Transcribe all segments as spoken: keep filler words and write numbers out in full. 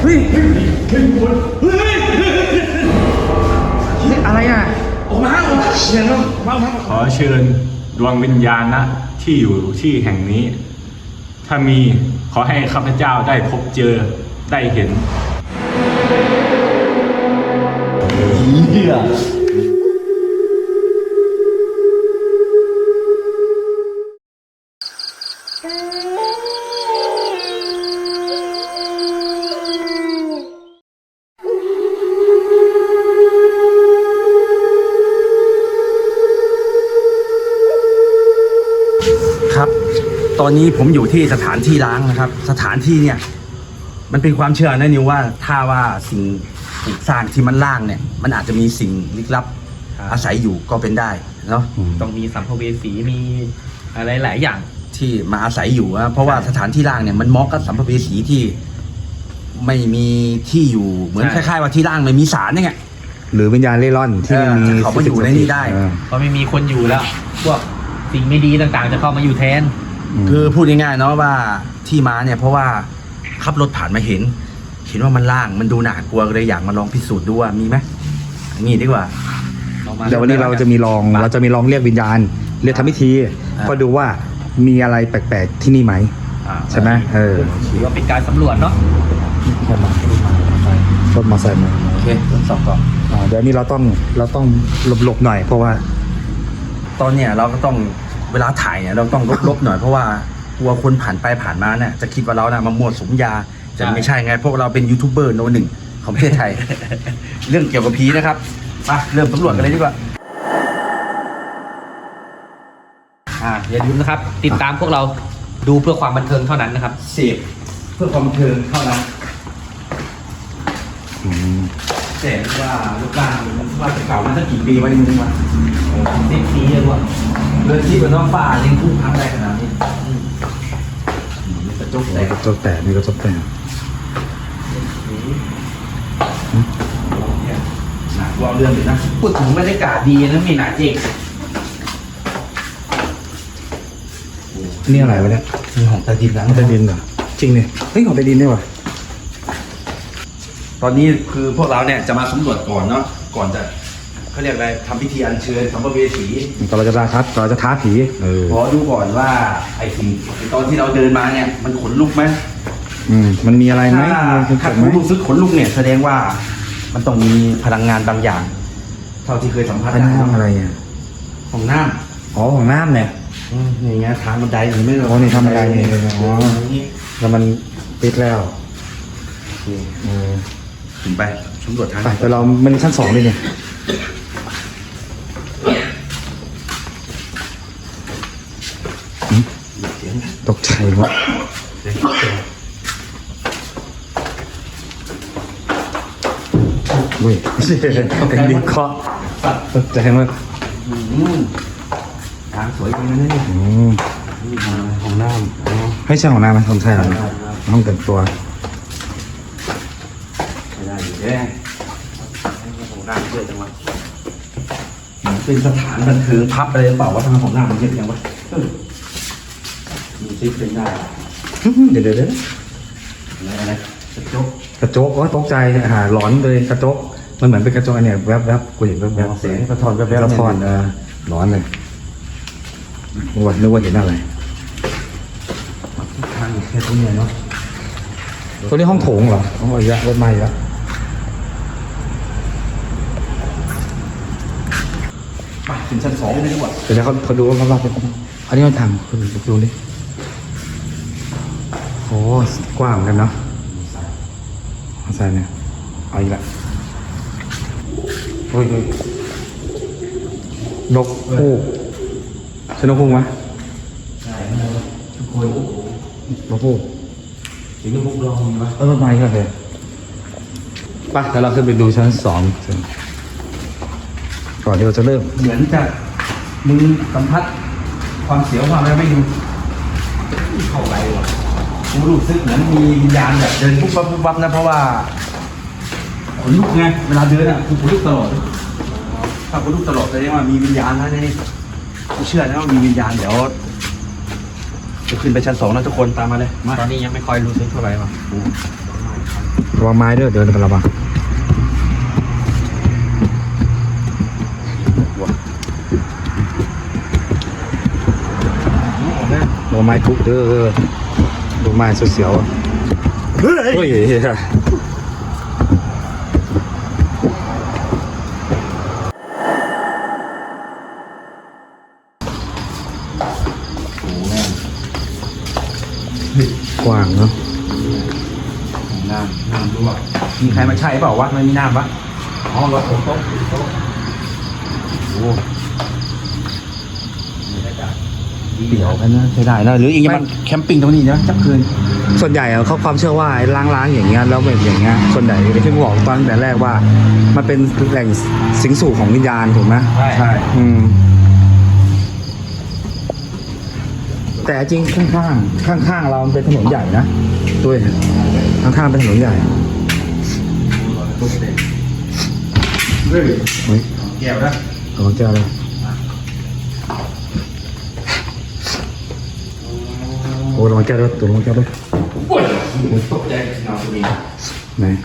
เฮ้ยเฮ้ยเฮ้ยเฮ้ยอะไรอ่ะออกมาออกมาเสียงแล้วมามาขอเชิญดวงวิญญาณนะที่อยู่ที่แห่งนี้ถ้ามีขอให้ข้าพเจ้าได้พบเจอได้เห็นเฮียครับตอนนี้ผมอยู่ที่สถานที่ล้างนะครับสถานที่เนี่ยมันเป็นความเชื่อนะนิวว่าถ้าว่าสิ่งปลูกสร้างที่มันล่างเนี่ยมันอาจจะมีสิ่งลึกลับอาศัยอยู่ก็เป็นได้เนาะต้องมีสัมภเวสีมีอะไรหลายอย่างที่มาอาศัยอยู่นะเพราะว่าสถานที่ล่างเนี่ยมันเหมาะกับสัมภเวสีที่ไม่มีที่อยู่เหมือนคล้ายๆว่าที่ล่างไม่มีสารเนี่ยหรือวิญญาณเล่ร่อนที่ไม่มีเขามาอยู่ในนี้ได้เพราะไม่มีคนอยู่แล้วพวกสิ่งไม่ดีต่างๆจะเข้ามาอยู่แทนคือพูดง่ายๆเนาะว่าที่มาเนี่ยเพราะว่าขับรถผ่านมาเห็นเห็นว่ามันล่างมันดูหนากลัวเลยอยากมาลองพิสูจน์ดูว่ามีไหมนี่ดีกว่าเดี๋ยววันนี้เราจะมีลองเราจะมีลองเรียกวิญญาณเรียกทำพิธีก็ดูว่ามีอะไรแปลกๆที่นี่ไหมใช่ไหมเออถือว่าเป็นการสำรวจเนาะรถมอเตอร์ไซค์มาโอเคทดสอบก่อนเดี๋ยวนี้เราต้องเราต้องหลบๆหน่อยเพราะว่าตอนเนี้ยเราก็ต้องเวลาถ่ายเนี่ยเราต้องลบๆหน่อยเพราะว่ากลัวคนผ่านไปผ่านมาเนี่ยจะคิดว่าเราเนี่ยมามั่วสุมยาจะไม่ใช่ไงพวกเราเป็นยูทูบเบอร์โนหนึ่งของประเทศไทย เรื่องเกี่ยวกับผีนะครับมาเริ่มสำรวจกันเลยดีกว่าอ่าอย่าลืมนะครับติดตามพวกเราดูเพื่อความบันเทิงเท่านั้นนะครับเสพเพื่อความบันเทิงเท่านั้นแต่ว่าลูกกลางมันว่าจะเก่ามาตั้งกี่ปีวะนี่มึงวะสิบปีเลยว่ะเรื่องที่เป็นน้องป่าเลี้ยงทุ่งพังได้ขนาดนี้กระจกแตกกระจกแตกมีกระจกแตกหนักว่าเรื่องเลยนะพูดถึงบรรยากาศดีนะมีหนาเจ๊กนี่อะไรวะเนี่ยมีของใต้ดินแล้วใต้ดินเหรอจริงเนี่ยเฮ้ยของใต้ดินได้ว่ะตอนนี้คือพวกเราเนี่ยจะมาสำรวจก่อนเนาะก่อนจะเขาเรียกอะไรทำพิธีอัญเชิญสัมภเวสีตอนเราจะท้าเราจะท้าผีขอดูก่อนว่าไอ้สิ่งตอนที่เราเดินมาเนี่ยมันขนลุกไหมอืมมันมีอะไรไหมถ้าคุณรู้สึกขนลุกเนี่ยแสดงว่ามันต้องมีพลังงานบางอย่างเท่าที่เคยสัมผัสได้ห้องอะไรอ่ะห้องน้ำอ๋อห้องน้ำเนี่ยอย่างเงี้ยทางบันไดหรือไม่อ๋อนี่ทำอะไรเนี่ยอ๋อแล้วมันปิดแล้วถึงไปสำรวจทางไปแต่เรามันชั้นสองเลยเนี่ยตกใจวะเว้ยเป็นดินเคาะตกใจมากทางสวยจริงนะนี่ห้องน้ำให้ใช่ห้องน้ำไหมห้องใช่หรอห้องแต่งตัวไม่ได้อยู่แน่ห้องน้ำเยอะจังวะเป็นสถานบันเทิงพับอะไรหรือเปล่าว่าทางห้องน้ำมันเยอะจังวะมีซิปเป็นได้เดี๋ยวเดี๋ยวเดี๋ยวอะไรอะไรกระจกกระจกก็ตกใจหาหลอนเลยกระจกมันเหมือนเป็นกระจกเนี่ยแวบแวบกูเห็นแวบแวบเสียงกระทอนแวบแวบกระทอนเออหลอนเลยนึกว่านึกว่าเห็นอะไรทางแค่ตรงนี้เนาะตัวนี้ห้องโถงเหรอห้องอะไรรถไม้ละไปถึงชั้นสองเลยดีกว่าเดี๋ยวเขาเขาดูว่าเขาเป็นอันนี้มันทางคุณดูดิโอ้กว้างกันเนาะใส่เนี่ยเอาอีกละเฮ้ยนกฮูกใช่นกฮูกไหมใช่นกฮูกนกฮูกถึงนกฮูกลองมั้ยเออไม่ครับเลยไปเดี๋ยวเราขึ้นไปดูชั้นสองก่อนที่เราจะเริ่มเหมือนจะมึงสัมผัสความเสียวความอะไรไม่ดูเข้าไปว่ะกูรู้สึกเหมือนมีวิญญาณแบบเดินปุ๊บปั๊บปุ๊บปั๊บนะเพราะว่าขนลุกไงเวลาเดินอ่ะกูขนลุกตลอดถ้าขนลุกตลอดแสดงว่ามีวิญญาณนะนี่กูเชื่อนะว่ามีวิญญาณเดี๋ยวจะขึ้นไปชั้นสองนะทุกคนตามมาเลยตอนนี้ยังไม่ค่อยรู้สึกเท่าไหร่ว่ะระวังไม้ด้วยเดินกันระวังระวังไม้ทุกเด้อดูไม้เสียวๆเฮ้ยเฮ้ยกว้างเนาะน้ำน้ำรั่วมีใครมาใช้เปล่าวะไม่มีน้ำปะอ๋อรถโต๊ะโต๊ะโต๊ะโอ้เปี่ยวกันนะใช้ได้นะหรืออีกอย่างมันแคมปิ้งตรงนี้นะจับคืนส่วนใหญ่อะเขาความเชื่อว่าไอ้ล้างๆอย่างเงี้ยแล้วแบบอย่างเงี้ยส่วนใหญ่ที่ผมบอกตอนแต่แรกว่า มันเป็นแหล่งสิงสู่ของวิญญาณถูกไหมใช่อืมแต่จริงข้างๆข้างๆเรามันเป็นถนนใหญ่นะด้วยข้างๆเป็นถนนใหญ่เฮ้ยเฮ้ยแก้วนะโอ้เจ้าเลยโอ้ระวังแก้วด้วยตัวระวังแก้วด้วยโอ้ยตกใจเงาตัวนี้ไหน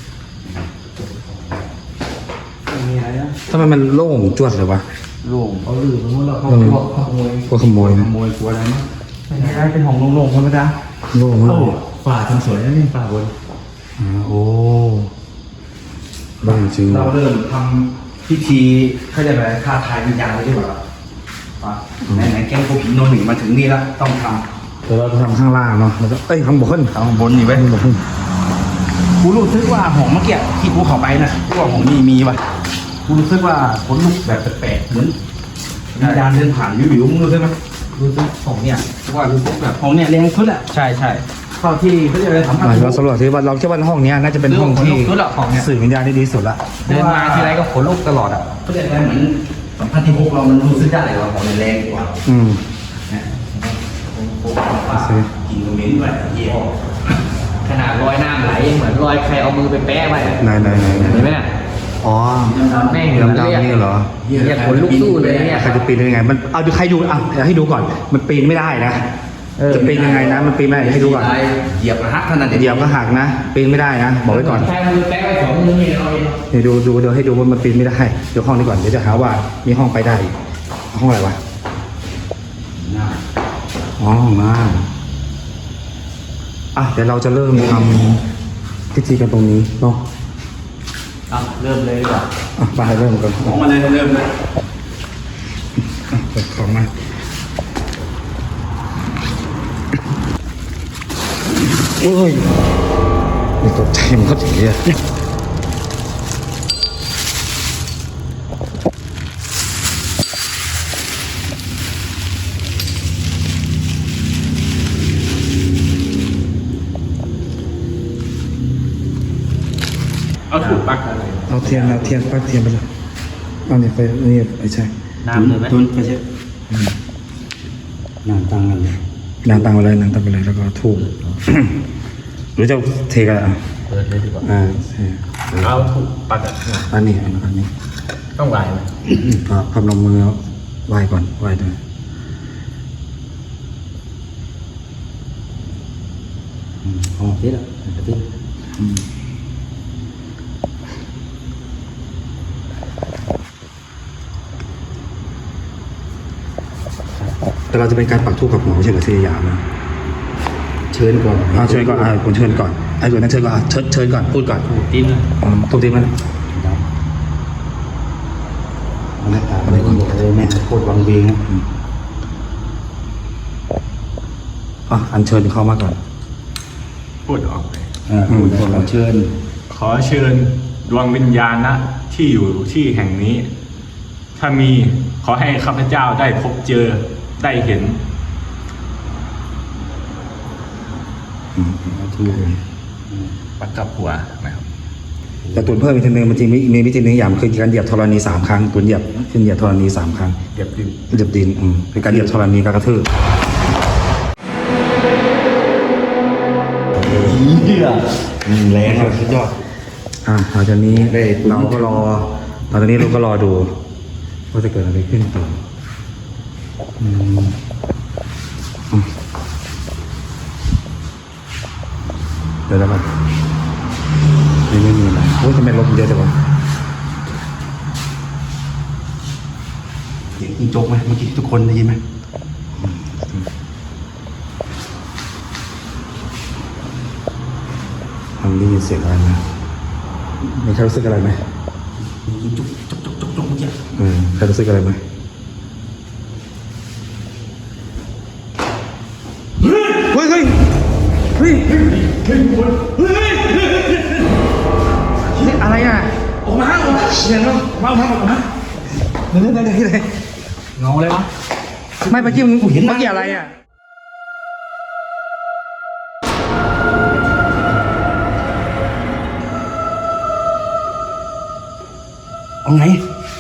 มีอะไรนะทำไมมันโล่งจวดเลยวะโล่งเขาลืมไปหมดแล้วเขาเออขโมยพวกขโมยขนะโมยกลัวอะไรมั้งไม่ได้เป็นห้องโล่งๆธรรมดาโล่งมากเลยฝาทำสวยนะนี่ฝาบนอ่าโอ้โล่งจริงเราเริ่มทำพิธีเขาเรียกอะไรท้าทายวิญญาณเลยดีกว่าป่ะไหนๆแก๊งพวกผีโนหนึ่งมาถึงนี่แล้วต้องทเดี๋ยวเราจะทำข้างล่างเนาะแล้วก็เอ้ยข้างบนำเอาข้างบนนี่ไว้ข้างบนกูรู้สึกว่าห้องเมื่อกี้ที่กูเข้าไปนะกูว่าห้องนี้มีว่ะกูรู้สึกว่าขนลุกแบบแปลกๆเหมือนวิญญาณเดินผ่านวิวๆมึงรู้สึกไหมรู้สึกของเนี่ยว่ารู้สึกแบบห้องเนี่ยแรงสุดอะใช่ใช่เท่าที่เขาเรียกอะไรสัมผัสอ่าเราสำรวจที่ว่าเราคิดว่าห้องเนี้ยน่าจะเป็นห้องที่รู้หรอของเนี่ยสื่อวิญญาณที่ดีสุดละเดินมาทีไรก็ขนลุกตลอดอ่ะเขาเรียกอะไรเหมือนสัมผัสที่พวกเรามันรู้สึกได้ว่าห้องเนี่ยแรงกว่าอืมนะว่ากินตรงนี้ด้วยเยี่ยมขนาดรอยน้ำไหลยังเหมือนรอยใครเอามือไปแปะไว้อะไหนไหนไหนไหนเห็นไหมเนี่ยอ๋อแม่งดำดำนี่เหรอเรียกขนลุกสู้เลยเนี่ยใครจะปีนได้ยังไง มันเอาดูใครดูอ่ะเดี๋ยวให้ดูก่อน มันปีนไม่ได้นะเออจะปีนยังไงนะ มันปีนไม่ได้เดี๋ยวให้ดูก่อนเหยียบหักเท่านั้นเองเหยียบก็หักนะ ปีนไม่ได้นะ บอกไว้ก่อนใครเอามือแปะไว้สองมือนี่เราเองเดี๋ยวดูดูเดี๋ยวให้ดูว่ามันปีนไม่ได้ เดี๋ยวห้องนี้ก่อน เดี๋ยวจะหาว่ามีห้องไปได้อีกห้องอะไรวะ อ๋อห้องน้ำอ่ะเดี๋ยวเราจะเริ่มทำพิธีกันตรงนี้เนาะอ่ะเริ่มเลยดีกว่าอ่ะไปเริ่มกันของมาเลยเริ่มเลยอ่ะเปิดของมาโอ้ยนี่ตกใจมันก็ถึงเนี่ยเอาถูกปักอะไรเอาเทียนเอาเทียนปักเทียนไปเลยเอาเนี่ยไปนี่ไปใช่น้ำเลยไหมตุนไปใช่นานตังกันเลยนางตังอะไรนางตังไปเลยแล้วก็ทูบ หรือจะเทกันอ่ะเปิดเลยดีกว่าอ่าใช่เอาถูกปักอะอันนี้อันอันนี้ต้องไหวไหมก็พนมมือไหว้ก่อนไหว้ด้วยอืมอ๋อนี่แหละที่อืมแต่เราจะเป็นการปักทูบกับหัวไม่ใช่กับเสียยามนะเชิญก่อนเอาเชิญก่อนอ่าคุณเชิญก่อนไอ้ส่วนนั้นเชิญก่อนอ่ะเชิญเชิญก่อนพูดก่อนตีนเลยอืมทูบตีมันหน้าตาอะไรก็บอกเลยแม่โคตรวังเวงอืมอ่ะอันเชิญเข้ามาก่อนพูดออกไปอ่าคุณขอเชิญขอเชิญดวงวิญญาณนะที่อยู่ที่แห่งนี้ ถ้ามีขอให้ข้าพเจ้าได้พบเจอได้เห็นอืมทูปักกับหัวนะครับแต่ตุนเพิ่มอีกทีนึงมันจริงมีมีวิธีหนึงอย่างคือการเหยียบธรณีสามครั้งตุนเหยียบขึ้นเหยียบธรณีสามครั้งเก็บดินเหยียบดินอืมเป็นการเหยียบธรณีการกระทืบเหี้ยแรงเลยสุดยอดอ่าหลังจากนี้ได้เราก็รอหลังจากนี้เราก็รอดูว่าจะเกิดอะไรขึ้นต่ออืมอืมเดี๋ยวแล้วกันโอ้ยทำไมรถมันเยอะจังวะเสียงจิงจกไหมเมื่อกี้ทุกคนได้ยินไหมมันได้ยินเสียงอะไรไหมมีใครรู้สึกอะไรไหมจิงจกจกจกจกจกเมื่อกี้เออใครรู้สึกอะไรไหมเฮ้ยเฮ้ยเฮ้ยเฮ้ยเฮ้ยอะไรอ่ะออกมาออกมาเสียงแล้วมาออกมาออกมาเดี๋ยวเดี๋ยวเดี๋ยวเดี๋ยวเงาเลยวะไม่เมื่อกี้มึงเห็นเมื่อกี้อะไรอ่ะเอาไง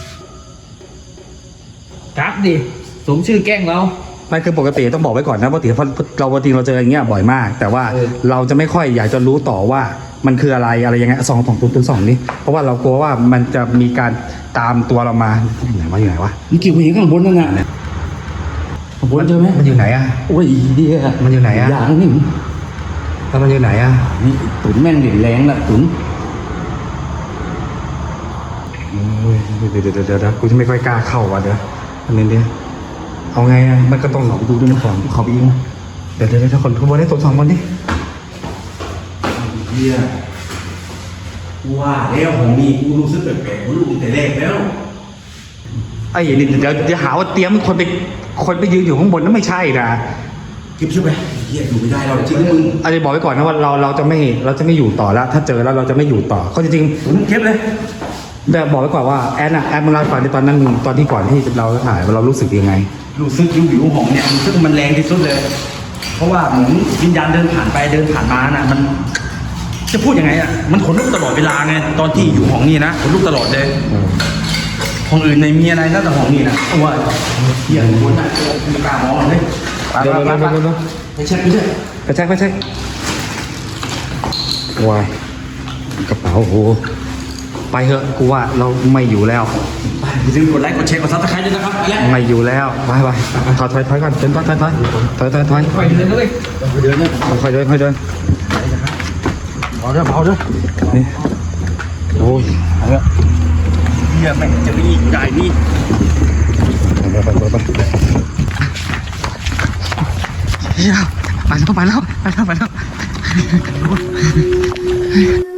กราฟดิสมชื่อแกล้งเราไม่คือปกติต้องบอกไว้ก่อนนะปกติเราปกติเราเจออย่างเงี้ยบ่อยมาก แต่ว่าเออเราจะไม่ค่อยอยากจะรู้ต่อว่ามันคืออะไรอะไรยังไงสองสองตัวตัวสองนี่เพราะว่าเรากลัวว่ามันจะมีการตามตัวเรามาอยู่ไหนวะอยู่ไหนวะเมื่อกี้ผมเห็นข้างบนนั่นน่ะข้างบนเจอไหมมันอยู่ไหนอ่ะโอ้ยเดียมันอยู่ไหนอะอย่างนี่แล้วมันอยู่ไหนอ่ะนี่ตุ๋นแม่งเหรียญแรงละตุ๋นเฮ้ยเดี๋ยวเดี๋ยวเดี๋ยวเดี๋ยวเดี๋ยวกูจะไม่ค่อยกล้าเข้าว่ะเดี๋ยวอันนี้เดี๋ยวเอาไงอ่ะมันก็ต้องเขาไปดูด้วยนะของเขาไปยิงเดี๋ยวเดี๋ยวเดี๋ยวคนขบวนได้ตัวสองคนดิเฮียว่าแล้วของนี่กูรู้สึกแปลกๆกูรู้ตั้งแต่แรกแล้วไอ้เดี๋ยวเดี๋ยวเดี๋ยวหาว่าเตรียมคนไปคนไปยืนอยู่ข้างบนนั่นไม่ใช่นะเก็บเชื่อไปเฮียอยู่ไม่ได้เราจริงมึงอันนี้บอกไว้ก่อนนะว่าเราเราจะไม่เราจะไม่อยู่ต่อแล้ว ถ้าเจอแล้วเราจะไม่อยู่ต่อเขาจริงตุ๋นเก็บเลยๆแบบบอกไว้ก่อนว่าแอนอะแอนมึงเล่าให้ฟังในตอนนั้นมึงตอนที่ก่อนที่เราถ่ายเรารู้สึกยังไงรู้สึกวิววิวของเนี่ยรู้สึกมันแรงที่สุดเลย เพราะว่าเหมือนวิญญาณเดินผ่านไปเดินผ่านมาน่ะมัน จะพูดยังไงอ่ะมันขนลุกตลอดเวลาไงตอนที่อยู่ห้องนี้นะขนลุกตลอดเลยห้องอื่นในมีอะไรนะแต่ห้องนี้นะว่าเฮียคนน่ะไม่กล้ามองเลยไปเดี๋ยวไปเดี๋ยวไปเดี๋ยวเดี๋ยวไปเช็คไปเช็คไปแช็คไปแช็ควายกระเป๋าโอ้โหไปเถอะกูว่าเราไม่อยู่แล้วอย่าลืมกดไลค์กดแชร์กดซับสไครต์ด้วยนะครับไปแล้วไม่อยู่แล้วไปไปถอยถอยถอยก่อนเดินถอยถอยถอยถอยถอยถอยไปเดินเลยเดินเนี่ยค่อยเดินค่อยเดินเบาเด้อเบาเด้อนี่โอ้ยเฮียแม่งจะมีอยู่ได้นี่ไปไปไปไปเฮ้ยไปแล้วไปแล้วไปแล้วไปแล้ว